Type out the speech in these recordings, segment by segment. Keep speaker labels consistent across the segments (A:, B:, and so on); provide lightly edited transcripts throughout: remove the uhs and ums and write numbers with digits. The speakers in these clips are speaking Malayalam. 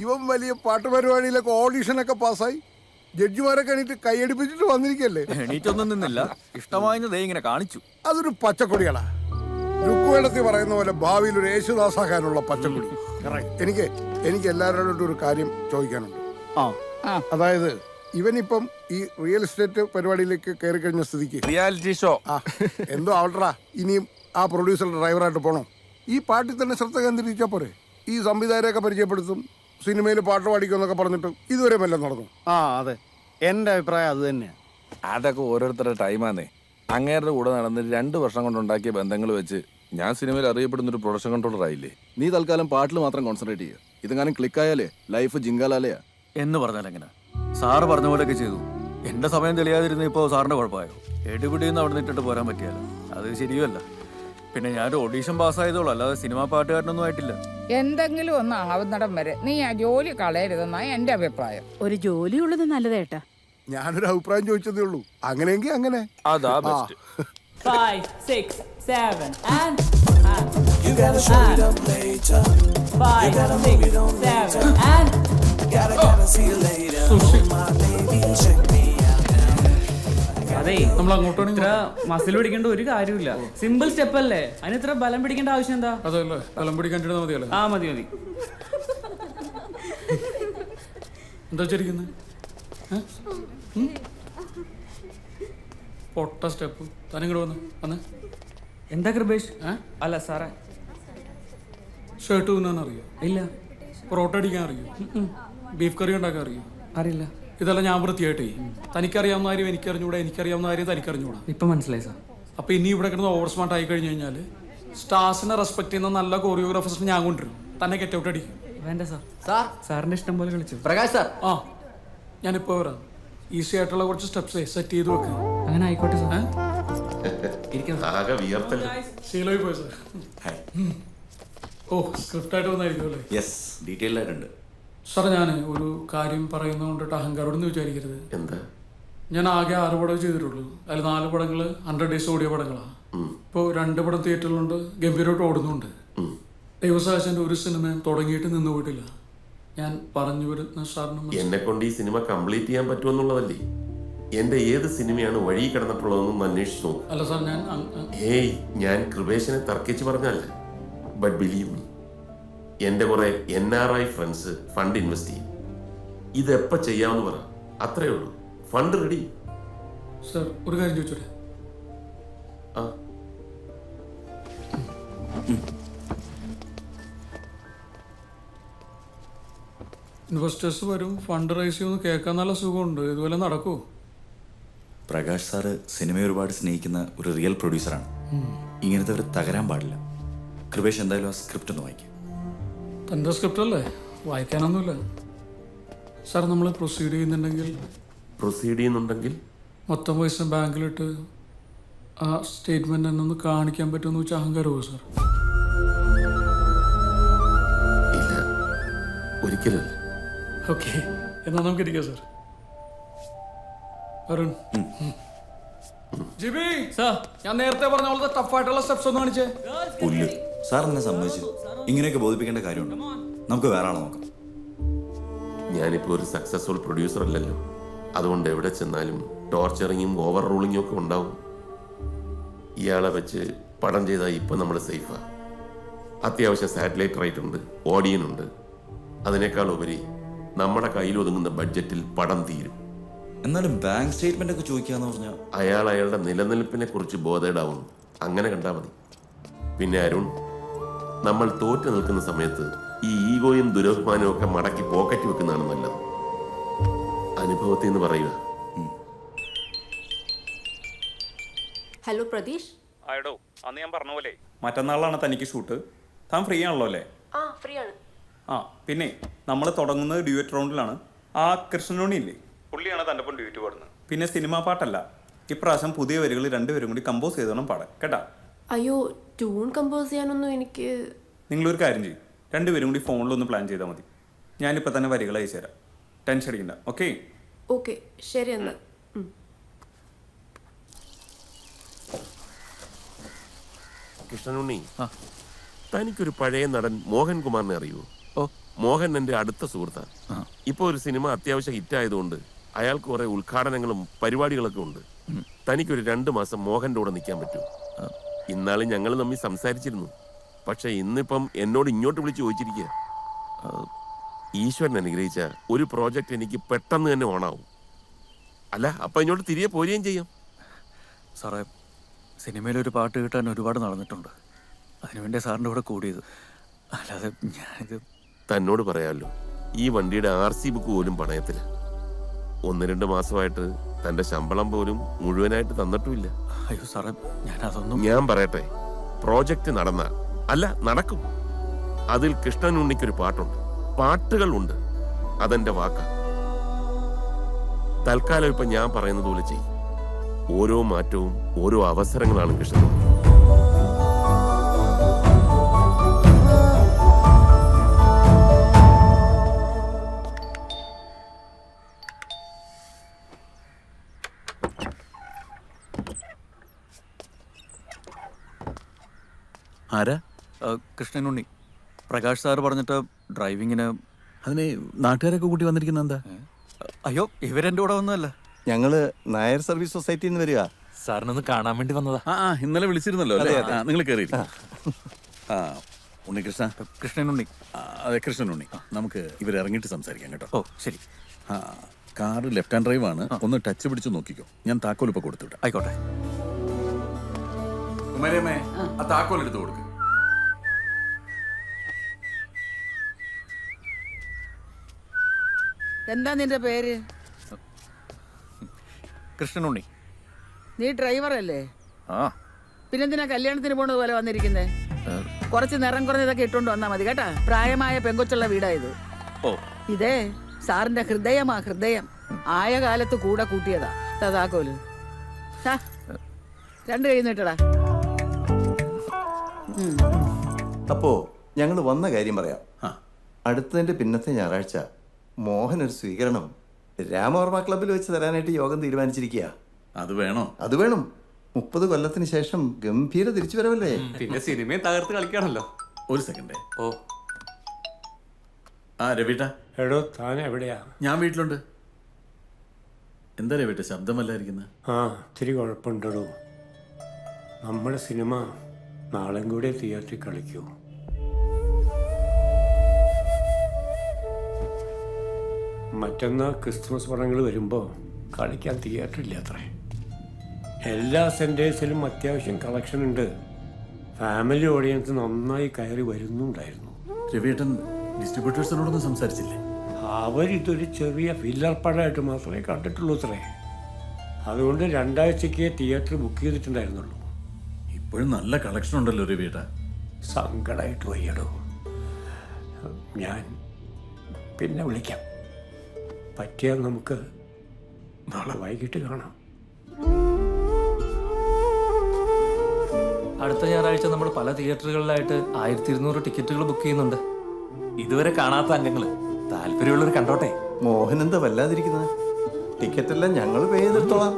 A: ഇവൻ വലിയ പാട്ടുപരിപാടിയിലൊക്കെ ഓഡീഷനൊക്കെ പാസ്സായി ജഡ്ജിമാരൊക്കെ എണീറ്റ് കൈയടിപ്പിച്ചിട്ട് വന്നിരിക്കല്ലേ.
B: എണീറ്റൊന്നും നിന്നില്ല, ഇഷ്ടമായെന്ന് ഇങ്ങനെ കാണിച്ചു.
A: അതൊരു പച്ചക്കൊടികളാ. രുക്കുവേടത്തിൽ പറയുന്ന പോലെ ഭാവിയിൽ ഒരു യേശുദാസാകാനുള്ള പച്ചക്കൊടി. എനിക്ക് എല്ലാവരോടും ഒരു കാര്യം ചോദിക്കാനുണ്ട്. അതായത് ഇവനിപ്പം ഈ റിയൽ എസ്റ്റേറ്റ് പരിപാടിയിലേക്ക് കയറി കഴിഞ്ഞ സ്ഥിതിക്ക്
B: റിയാലിറ്റി ഷോ
A: എന്തോ ആവട്ടെ, ഇനിയും ആ പ്രൊഡ്യൂസറുടെ ഡ്രൈവറായിട്ട് പോണോ? ഈ പാട്ടിൽ തന്നെ ശ്രദ്ധ കേന്ദ്രീകരിച്ചാൽ പോരെ? ഈ സംവിധായകരെയൊക്കെ പരിചയപ്പെടുത്തും, സിനിമയിൽ പാട്ട് പാടിക്കുമെന്നൊക്കെ പറഞ്ഞിട്ട് ഇതുവരെ വല്ലതും നടന്നു?
C: അതെ, എന്റെ അഭിപ്രായം അത് തന്നെയാണ്.
B: അതൊക്കെ ഓരോരുത്തരുടെ ടൈമാന്നേ. അങ്ങേരുടെ കൂടെ നടന്ന് 2 വർഷം കൊണ്ടുണ്ടാക്കിയ ബന്ധങ്ങൾ വെച്ച് ഞാൻ സിനിമയിൽ അറിയപ്പെടുന്ന ഒരു പ്രൊഡക്ഷൻ കൺട്രോളർ ആയില്ലേ.
D: നീ തൽക്കാലം പാട്ടിൽ മാത്രം കോൺസെൻട്രേറ്റ് ചെയ്യുക. ഇതെങ്ങാനും ക്ലിക്കായാലേ ലൈഫ് ജിങ്കാലാലയാ.
B: എന്ന് പറഞ്ഞാൽ എങ്ങനെ? സാറ് പറഞ്ഞ പോലെയൊക്കെ ചെയ്തു. എന്റെ സമയം തെളിയാതിരുന്ന ഇപ്പോൾ സാറിന്റെ കുഴപ്പമായോ? എടുപിടിന്ന് അവിടെ നിന്നിട്ട് പോരാൻ പറ്റിയാലോ? അത് ശരിയല്ല. പിന്നെ ഞാനൊരു ഓഡീഷൻ പാസ്സായതോളൂ, അല്ലാതെ സിനിമാ പാട്ടുകാരനൊന്നും ആയിട്ടില്ല.
E: എന്തെങ്കിലും ഒന്ന് ആവുന്നിടം വരെ നീ ആ ജോലി കളയരുതെന്നാണ് എന്റെ അഭിപ്രായം.
F: ഒരു ജോലി ഉള്ളത് നല്ലതേട്ടാ.
A: ഞാനൊരു അഭിപ്രായം ചോദിച്ചതേ ഉള്ളൂ. അങ്ങനെയെങ്കിൽ അങ്ങനെ.
B: അതാ best.
G: 5, 6, 7 and you gotta show it up later. 5, 6, 7 and gotta see you later. My baby check me out.
H: അതെ, നമ്മൾ അങ്ങോട്ടാണ് ഇത്ര മസിൽ പിടിക്കേണ്ട ഒരു കാര്യമില്ല. സിമ്പിൾ സ്റ്റെപ്പ് അല്ലേ, അതിന് ഇത്ര ബലം പിടിക്കേണ്ട ആവശ്യം എന്താ?
C: അതല്ലേ, ബലം പിടിക്കാണ്ടിരുന്ന മതിയല്ലേ?
H: മതി.
C: എന്താ വെച്ചിരിക്കുന്നത്? പൊട്ട സ്റ്റെപ്പ്. തനിങ്ങോട്ട് വന്ന്
H: എന്താ കൃപേഷ്? അല്ല സാറേ,
C: ഷർട്ട് തുന്നാൻ അറിയോ?
H: ഇല്ല.
C: പൊറോട്ട അടിക്കാൻ അറിയോ? ബീഫ് കറി ഉണ്ടാക്കാൻ അറിയോ?
H: അറിയില്ല.
C: ഇതെല്ലാം ഞാൻ വൃത്തിയായിട്ടേ. തനിക്കറിയാവുന്ന കാര്യം എനിക്കറിഞ്ഞൂടാ, എനിക്കറിയാവുന്ന കാര്യം തനിക്കറിഞ്ഞൂടാ.
H: ഇപ്പൊ മനസ്സിലായി സാർ.
C: അപ്പൊ ഇനി ഇവിടെ കിടന്ന് ഓവർ സ്മാർട്ട് ആയി കഴിഞ്ഞു കഴിഞ്ഞാൽ സ്റ്റാർസിനെ റെസ്പെക്ട് ചെയ്യുന്ന നല്ല കോറിയോഗ്രാഫേഴ്സിനെ ഞാൻ കൊണ്ടുവരും. തന്നെ ഗെറ്റ് ഔട്ട് അടിക്കും.
H: വേണ്ട സാർ, സാറിന്റെ ഇഷ്ടം പോലെ കളിച്ചു.
I: പ്രകാശ് സാർ,
C: ഞാനിപ്പോ വരാം. ഈസി ആയിട്ടുള്ള കുറച്ച് സ്റ്റെപ്സ് സെറ്റ് ചെയ്ത് വെക്കുക.
H: അങ്ങനെ ആയിക്കോട്ടെ സാർ.
C: ശീലമായി പോയി സാർ. ഓ, സ്ക്രിപ്റ്റ് ആയിട്ട് വന്നായിരിക്കും അല്ലേ?
I: യെസ്, ഡീറ്റെയിൽഡ് ആയിട്ടുണ്ട്.
C: സാർ, ഞാൻ ഒരു കാര്യം പറയുന്നത് കൊണ്ടിട്ട് അഹങ്കാരോടൊന്നും വിചാരിക്കരുത്.
I: എന്താ?
C: ഞാൻ ആകെ 6 പടം ചെയ്തിട്ടുള്ളൂ. അതിൽ 4 പടങ്ങൾ 100 ഡേയ്സ് ഓടിയ പടങ്ങളാണ്. ഇപ്പോൾ 2 പടം തിയേറ്ററിലുണ്ട്, ഗംഭീരമായിട്ട് ഓടുന്നുണ്ട്. ദൈവസാക്ഷന്റെ ഒരു സിനിമയും തുടങ്ങിയിട്ട് നിന്ന് പോയിട്ടില്ല. ഞാൻ പറഞ്ഞു വരുന്ന സാറിന്
I: എന്നെ കൊണ്ട് ഈ സിനിമ കംപ്ലീറ്റ് ചെയ്യാൻ പറ്റുമെന്നുള്ളതല്ലേ? എന്റെ ഏത് സിനിമയാണ് വഴി കിടന്നിട്ടുള്ളതെന്നും അന്വേഷിച്ചു നോക്കും.
C: അല്ല സാർ,
I: ഞാൻ കൃപേശനെ തർക്കിച്ച് പറഞ്ഞല്ല. ബട്ട് ബിലീവ് മീ, എന്റെ കുറെ NRI ഫ്രണ്ട്സ് ഫണ്ട് ഇൻവെസ്റ്റ് ചെയ്യും. ഇതെപ്പോ ചെയ്യാമെന്ന് പറ, അത്രേ ഉള്ളൂ. Fund ready.
C: സാർ, ഒരു കാര്യം ചോദിച്ചോട്ടെ? ഇൻവെസ്റ്റേഴ്സ് വരും, ഫണ്ട് റൈസ് ചെയ്യുമെന്ന് കേൾക്കാൻ നല്ല സുഖമുണ്ട്. ഇതുപോലെ നടക്കുമോ?
J: പ്രകാശ് സാറ് സിനിമയെ ഒരുപാട് സ്നേഹിക്കുന്ന ഒരു റിയൽ പ്രൊഡ്യൂസറാണ്. ഇങ്ങനത്തെ ഒരു തകരാൻ പാടില്ല. കൃപേഷ് എന്തായാലും ആ സ്ക്രിപ്റ്റ് ഒന്ന് വായിക്കും.
C: തൻ്റെ സ്ക്രിപ്റ്റ് അല്ലേ, വായിക്കാനൊന്നുമില്ല. സാർ, നമ്മൾ പ്രൊസീഡ് ചെയ്യുന്നുണ്ടെങ്കിൽ മൊത്തം പൈസ ബാങ്കിലിട്ട് ആ സ്റ്റേറ്റ്മെന്റ് എന്നൊന്ന് കാണിക്കാൻ പറ്റുമെന്ന് വെച്ചാൽ അഹങ്കാരമോ സാർ?
I: ഇല്ല, ഒരിക്കലും.
C: ഓക്കെ, എന്നാ നമുക്ക് ഇരിക്കാം സാർ. അരുൺ, ജിബി സാർ, ഞാൻ നേരത്തെ പറഞ്ഞ പോലത്തെ ടഫായിട്ടുള്ള സ്റ്റെപ്സ് ഒന്ന് കാണിച്ചേ.
J: പുല്ല് സാർ എന്നെ സമ്മതിച്ചു. ഇങ്ങനെയൊക്കെ ബോധിപ്പിക്കേണ്ട കാര്യമുണ്ട്. നമുക്ക് വേറെ ആളെ നോക്കാം.
I: ഞാനിപ്പോൾ ഒരു സക്സസ്ഫുൾ പ്രൊഡ്യൂസർ അല്ലല്ലോ. അതുകൊണ്ട് എവിടെ ചെന്നാലും ടോർച്ചറിങ്ങും ഓവർ റൂളിങ്ങും ഒക്കെ ഉണ്ടാവും. ഇയാളെ വെച്ച് പടം ചെയ്താൽ ഇപ്പം നമ്മൾ സേഫാ. അത്യാവശ്യം സാറ്റലൈറ്റ് റൈറ്റ് ഉണ്ട്, ഓഡിയനുണ്ട്. അതിനേക്കാൾ ഉപരി നമ്മുടെ കയ്യിൽ ഒതുങ്ങുന്ന ബഡ്ജറ്റിൽ പടം തീരും.
J: എന്നാലും ബാങ്ക് സ്റ്റേറ്റ്മെന്റ് ഒക്കെ ചോദിക്കാന്ന് പറഞ്ഞാൽ
I: അയാളുടെ നിലനിൽപ്പിനെ കുറിച്ച് ബോധേഡാവുന്നു. അങ്ങനെ കണ്ടാൽ മതി. പിന്നെ അരുൺ, നമ്മൾ തോറ്റു നിൽക്കുന്ന സമയത്ത് ഈ ഈഗോയും ദുരഭിമാനവും ഒക്കെ മടക്കി പോക്കറ്റ് വെക്കുന്നതാണ് നല്ലത്. അനുഭവത്തിൽ നിന്ന് പറയുക.
K: ഹലോ പ്രതീഷ്.
B: ആയിടോ, അന്ന് ഞാൻ പറഞ്ഞ പോലെ മറ്റന്നാളാണ് തനിക്ക് ഷൂട്ട്. താൻ ഫ്രീ ആണല്ലോ അല്ലേ?
K: ഫ്രീ ആണ്.
B: പിന്നെ നമ്മൾ തുടങ്ങുന്നത് ഡ്യൂറ്റ് റൗണ്ടിലാണ്. ആ കൃഷ്ണനോണി ഇല്ലേ, പുള്ളിയാണ് തൻ്റെ ഒപ്പം ഡ്യൂറ്റ് പാടുന്നത്. പിന്നെ സിനിമാ പാട്ടല്ല, ഇപ്രാവശ്യം പുതിയ വരികൾ 2 പേരും കൂടി കമ്പോസ് ചെയ്തോണം പാടാൻ, കേട്ടാ?
K: അയ്യോ, ട്യൂൺ കമ്പോസ് ചെയ്യാനൊന്നും എനിക്ക്.
B: നിങ്ങളൊരു കാര്യം ചെയ്യും, 2 പേരും കൂടി ഫോണിലൊന്ന് പ്ലാൻ ചെയ്താൽ മതി. ഞാനിപ്പോൾ തന്നെ വരികൾ അയച്ചു തരാം. ടെൻഷൻ അടിക്കണ്ട. ഓക്കെ?
K: ഓക്കെ, ശരി എന്നാൽ.
I: കൃഷ്ണനുണ്ണി, തനിക്കൊരു പഴയ നടൻ മോഹൻകുമാറിനെ അറിയുമോ? മോഹൻ എൻ്റെ അടുത്ത സുഹൃത്താണ്. ഇപ്പോൾ ഒരു സിനിമ അത്യാവശ്യം ഹിറ്റായതുകൊണ്ട് അയാൾക്ക് കുറേ ഉദ്ഘാടനങ്ങളും പരിപാടികളൊക്കെ ഉണ്ട്. തനിക്കൊരു 2 മാസം മോഹൻ്റെ കൂടെ നിൽക്കാൻ പറ്റുമോ? ഇന്നാളും ഞങ്ങൾ തമ്മിൽ സംസാരിച്ചിരുന്നു. പക്ഷെ ഇന്നിപ്പം എന്നോട് ഇങ്ങോട്ട് വിളിച്ച് ചോദിച്ചിരിക്കുക. ഈശ്വരൻ അനുഗ്രഹിച്ച ഒരു പ്രോജക്റ്റ് എനിക്ക് പെട്ടെന്ന് തന്നെ ഓണാവും. അല്ല, അപ്പം ഇങ്ങോട്ട് തിരികെ പോരുകയും ചെയ്യാം.
B: സാറേ, സിനിമയിലൊരു പാട്ട് കിട്ടാൻ ഒരുപാട് നടന്നിട്ടുണ്ട്. അതിനുവേണ്ടി സാറിൻ്റെ കൂടെ കൂടിയത്. അല്ലാതെ ഞാനിത്
I: തന്നോട് പറയാമല്ലോ, ഈ വണ്ടിയുടെ RC ബുക്ക് പോലും പണയത്തില്ല. 1-2 മാസമായിട്ട് തൻ്റെ ശമ്പളം പോലും മുഴുവനായിട്ട് തന്നിട്ടുമില്ല.
B: അയ്യോ സാറേ, ഞാനതൊന്നും.
I: ഞാൻ പറയട്ടെ, പ്രോജക്റ്റ് നടക്കും. അതിൽ കൃഷ്ണൻ ഉണ്ണിക്കൊരു പാട്ടുണ്ട്, പാട്ടുകളുണ്ട്. അതെന്റെ വാക്കാ. തൽക്കാലം ഇപ്പൊ ഞാൻ പറയുന്നത് പോലെ ചെയ്യും. ഓരോ മാറ്റവും ഓരോ അവസരങ്ങളാണ് കൃഷ്ണൻ.
J: ആരാ?
B: കൃഷ്ണനുണ്ണി. പ്രകാശ് സാറ് പറഞ്ഞിട്ട് ഡ്രൈവിങ്ങിന്.
J: അതിന് നാട്ടുകാരൊക്കെ കൂട്ടി വന്നിരിക്കുന്ന എന്താ?
B: അയ്യോ, ഇവരെൻ്റെ കൂടെ ഒന്നുമല്ല.
L: ഞങ്ങള് നായർ സർവീസ് സൊസൈറ്റിയിൽ നിന്ന് വരിക.
H: സാറിനൊന്ന് കാണാൻ വേണ്ടി വന്നതാ.
J: ഇന്നലെ വിളിച്ചിരുന്നല്ലോ അല്ലേ? നിങ്ങൾ കയറി. ഉണ്ണികൃഷ്ണ.
B: കൃഷ്ണനുണ്ണി.
J: അതെ, കൃഷ്ണനുണ്ണി. നമുക്ക് ഇവരിറങ്ങിയിട്ട് സംസാരിക്കാം കേട്ടോ.
B: ഓ ശരി.
J: കാറ് ലെഫ്റ്റ് ഹാൻഡ് ഡ്രൈവ് ആണ്. ഒന്ന് ടച്ച് പിടിച്ച് നോക്കിക്കോ. ഞാൻ താക്കോൽ ഇപ്പൊ കൊടുത്തുവിടാം.
B: ആയിക്കോട്ടെ.
J: കുമാരമ്മേ, ആ താക്കോൽ എടുത്ത് കൊടുക്ക്.
E: എന്താ നിന്റെ പേര്?
B: കൃഷ്ണനുണ്ണി.
E: നീ ഡ്രൈവറല്ലേ?
B: ആ.
E: പിന്നെന്തിനാ കല്യാണത്തിന് പോണത് പോലെ വന്നിരിക്കുന്നേ? കുറച്ച് നിറം കുറഞ്ഞതൊക്കെ ഇട്ടുകൊണ്ട് വന്നാ മതി കേട്ടാ. പ്രായമായ പെങ്കൊച്ചുള്ള വീടായത്.
B: ഓ,
E: ഇതേ സാറിന്റെ ഹൃദയമാ, ഹൃദയം. ആയ കാലത്ത് കൂടെ കൂട്ടിയതാ. താക്കോല് 2 കൈ നീട്ടടാ.
L: അപ്പോ ഞങ്ങൾ വന്ന കാര്യം പറയാം. അടുത്തതിന്റെ പിന്നത്തെ ഞായറാഴ്ച മോഹൻ ഒരു സ്വീകരണം രാമവർമ്മ ക്ലബ്ബിൽ വെച്ച് തരാനായിട്ട് യോഗം തീരുമാനിച്ചിരിക്കുക.
J: അത് വേണോ?
L: അത് വേണം. 30 കൊല്ലത്തിന് ശേഷം ഗംഭീര തിരിച്ചു വരവല്ലേ.
H: പിന്നെ സിനിമയും തകർത്ത് കളിക്കാണല്ലോ.
J: ഒരു സെക്കൻഡ്.
H: ഓ,
J: രവിട്ട.
A: എടോ, താൻ എവിടെയാ?
J: ഞാൻ വീട്ടിലുണ്ട്. എന്താ രവിട്ട ശബ്ദമല്ലായിരിക്കുന്നത്?
A: ഇത്തിരി കുഴപ്പമുണ്ടോ. നമ്മുടെ സിനിമ നാളെയും കൂടെ തിയേറ്ററിൽ കളിക്കൂ. മറ്റന്നാൾ ക്രിസ്മസ് പടങ്ങൾ വരുമ്പോൾ കളിക്കാൻ തിയേറ്ററില്ല അത്രേ. എല്ലാ സെൻറ്റേഴ്സിലും അത്യാവശ്യം കളക്ഷൻ ഉണ്ട്. ഫാമിലി ഓഡിയൻസ് നന്നായി കയറി വരുന്നുണ്ടായിരുന്നു.
J: രവിയേട്ടൻ ഡിസ്ട്രിബ്യൂട്ടേഴ്സിനോടൊന്നും സംസാരിച്ചില്ലേ?
A: അവരിതൊരു ചെറിയ ഫില്ലർ പടമായിട്ട് മാത്രമേ കണ്ടിട്ടുള്ളൂ അത്രേ. അതുകൊണ്ട് 2 ആഴ്ചയ്ക്ക് തിയേറ്റർ ബുക്ക് ചെയ്തിട്ടുണ്ടായിരുന്നുള്ളൂ.
J: ഇപ്പോഴും നല്ല കളക്ഷൻ ഉണ്ടല്ലോ രവിയേട്ട.
A: സങ്കടമായിട്ട് വയ്യടോ. ഞാൻ പിന്നെ വിളിക്കാം. പറ്റിയാൽ നമുക്ക് നാളെ വൈകിട്ട് കാണാം.
H: അടുത്ത ഞായറാഴ്ച നമ്മൾ പല തിയേറ്ററുകളിലായിട്ട് 1200 ടിക്കറ്റുകൾ ബുക്ക് ചെയ്യുന്നുണ്ട്. ഇതുവരെ കാണാത്ത അംഗങ്ങള് താല്പര്യമുള്ളവർ കണ്ടോട്ടെ.
L: മോഹൻ എന്താ വല്ലാതിരിക്കുന്നത്? ടിക്കറ്റ് എല്ലാം ഞങ്ങൾ പേ ചെയ്തെടുത്തോളാം.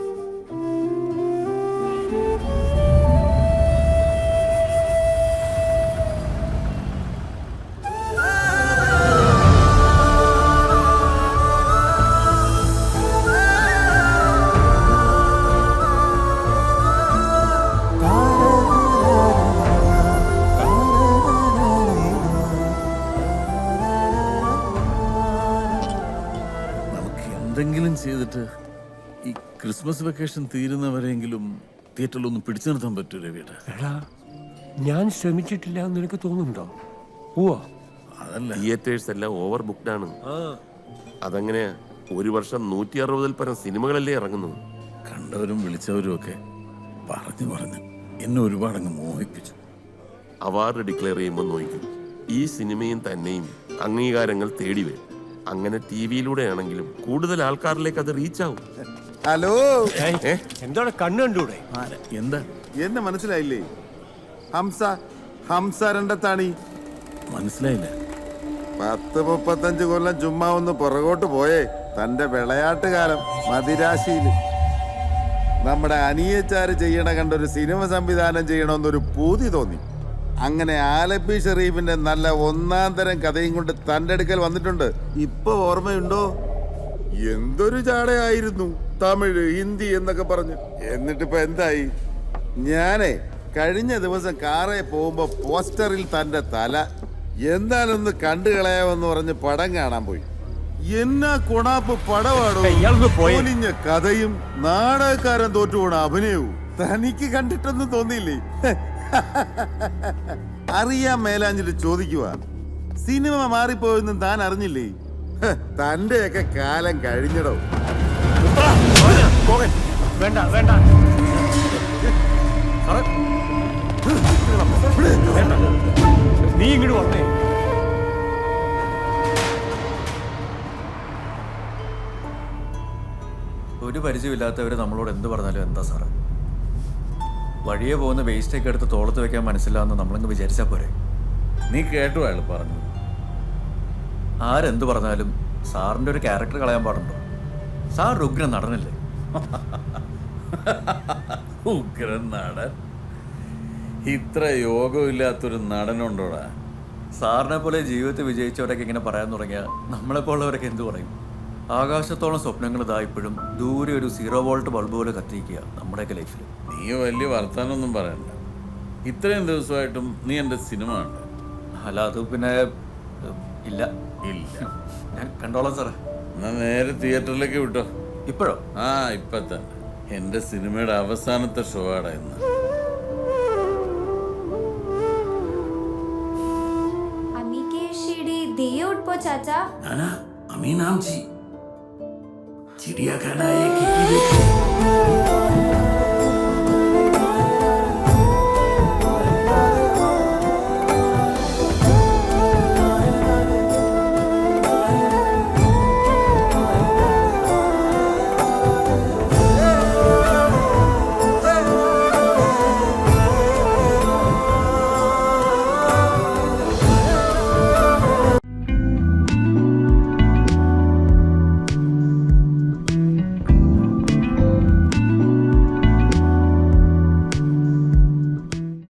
J: എന്തെങ്കിലും ചെയ്തിട്ട് ഈ ക്രിസ്മസ് വെക്കേഷൻ തീരുന്നവരെങ്കിലും തിയേറ്ററിലൊന്നും പിടിച്ചു നിർത്താൻ പറ്റൂ രവിയേട്ട.
A: എടാ, ഞാൻ ശ്രമിച്ചിട്ടില്ല എന്ന് നിനക്ക് തോന്നുന്നുണ്ടോ?
J: അതല്ല,
I: തിയേറ്റേഴ്സ് എല്ലാം ഓവർ ബുക്ക്ഡ് ആണ്. അതെങ്ങനെയാ? ഒരു വർഷം 160-ൽ പരം സിനിമകളല്ലേ ഇറങ്ങുന്നു.
J: കണ്ടവരും വിളിച്ചവരും ഒക്കെ പറഞ്ഞു എന്നെ ഒരുപാടങ്ങ് മോഹിപ്പിച്ചു.
I: അവാർഡ് ഡിക്ലെയർ ചെയ്യുമ്പോൾ നോക്കും, ഈ സിനിമയും തന്നെയും അംഗീകാരങ്ങൾ തേടി വരും. അങ്ങനെ TV-യിലൂടെ ആണെങ്കിലും കൂടുതൽ ആൾക്കാരിലേക്ക് അത് റീച്ച് ആവും.
L: ഹലോ,
A: എന്താണ് കണ്ണു കണ്ടൂടെ?
J: എന്താ?
L: എന്നെ മനസ്സിലായില്ലേ? ഹംസ രണ്ടത്താണി.
J: മനസ്സിലായില്ല.
L: 10-35 കൊല്ലം ചുമ്മാ ഒന്ന് പുറകോട്ട് പോയേ. തന്റെ വിളയാട്ട് കാലം മദിരാശിയില് നമ്മുടെ അനിയച്ചാര് ചെയ്യണ കണ്ടൊരു സിനിമ സംവിധാനം ചെയ്യണമെന്നൊരു പൂതി തോന്നി.
M: അങ്ങനെ ആലപ്പി ഷെറീഫിന്റെ നല്ല ഒന്നാം തരം കഥയും കൊണ്ട് തന്റെ അടുക്കൽ വന്നിട്ടുണ്ട്. ഇപ്പൊ ഓർമ്മയുണ്ടോ? എന്തൊരു ചാടയായിരുന്നു, തമിഴ് ഹിന്ദി എന്നൊക്കെ പറഞ്ഞു. എന്നിട്ടിപ്പോ എന്തായി? ഞാനേ കഴിഞ്ഞ ദിവസം കാറേ പോകുമ്പോ പോസ്റ്ററിൽ തന്റെ തല എന്താണെന്ന് കണ്ടു കളയാമെന്ന് പറഞ്ഞ് പടം കാണാൻ പോയി. എന്നാ കൊണാപ്പ് പടവാടോ, പൊലിഞ്ഞ കഥയും നാടകക്കാരൻ തോറ്റുപോണ അഭിനയവും. തനിക്ക് കണ്ടിട്ടൊന്നും തോന്നിയില്ലേ? അറിയാൻ മേലാഞ്ഞിട്ട് ചോദിക്കുക, സിനിമ മാറിപ്പോയെന്നും താൻ അറിഞ്ഞില്ലേ? തന്റെയൊക്കെ കാലം കഴിഞ്ഞടോ.
B: വേണ്ട വേണ്ട നീ ഇങ്ങോട്ട് വന്നേ. ഒരു പരിചയമില്ലാത്തവര് നമ്മളോട് എന്ത് പറഞ്ഞാലും എന്താ സാറേ? വഴിയെ പോകുന്ന വേസ്റ്റൊക്കെ എടുത്ത് തോളത്ത് വെക്കാൻ മനസ്സിലാന്ന് നമ്മളങ്ങ് വിചാരിച്ചാ പോരെ?
J: നീ കേട്ടു അയാൾ പറഞ്ഞു.
B: ആരെന്ത് പറഞ്ഞാലും സാറിന്റെ ഒരു ക്യാരക്ടർ കളയാൻ പാടുണ്ടോ? സാർ ഉഗ്രൻ നടനല്ലേ?
J: ഉഗ്രൻ നടൻ? ഇത്ര യോഗമില്ലാത്തൊരു നടനുണ്ടോടാ?
B: സാറിനെ പോലെ ജീവിതത്തിൽ വിജയിച്ചവരൊക്കെ ഇങ്ങനെ പറയാൻ തുടങ്ങിയാൽ നമ്മളെപ്പോലുള്ളവരൊക്കെ എന്ത് പറയും? ആകാശത്തോളം സ്വപ്നങ്ങൾ ഇതാ ഇപ്പോഴും ദൂരെ ഒരു 0 വോൾട്ട് ബൾബ് പോലെ കത്തിക്കുക നമ്മുടെയൊക്കെ ലൈഫിൽ.
J: നീ വലിയ വർത്താനൊന്നും പറയണ്ട. ഇത്രയും ദിവസമായിട്ടും നീ എൻ്റെ സിനിമ ഉണ്ട്.
B: അല്ല അത് പിന്നെ ഇല്ല
J: ഇല്ല,
B: ഞാൻ കണ്ടോളാം സാറേ.
J: എന്നാ നേരെ തിയേറ്ററിലേക്ക് വിട്ടോ.
B: ഇപ്പോഴോ?
J: ആ ഇപ്പൊ തന്നെ. എൻ്റെ സിനിമയുടെ അവസാനത്തെ ഷോ ആടാ ഇന്ന്.
K: अम्मी के शीडी दिए उठ पो चाचा.
J: नाना अमी नाम जी चिड़िया खाना एक ही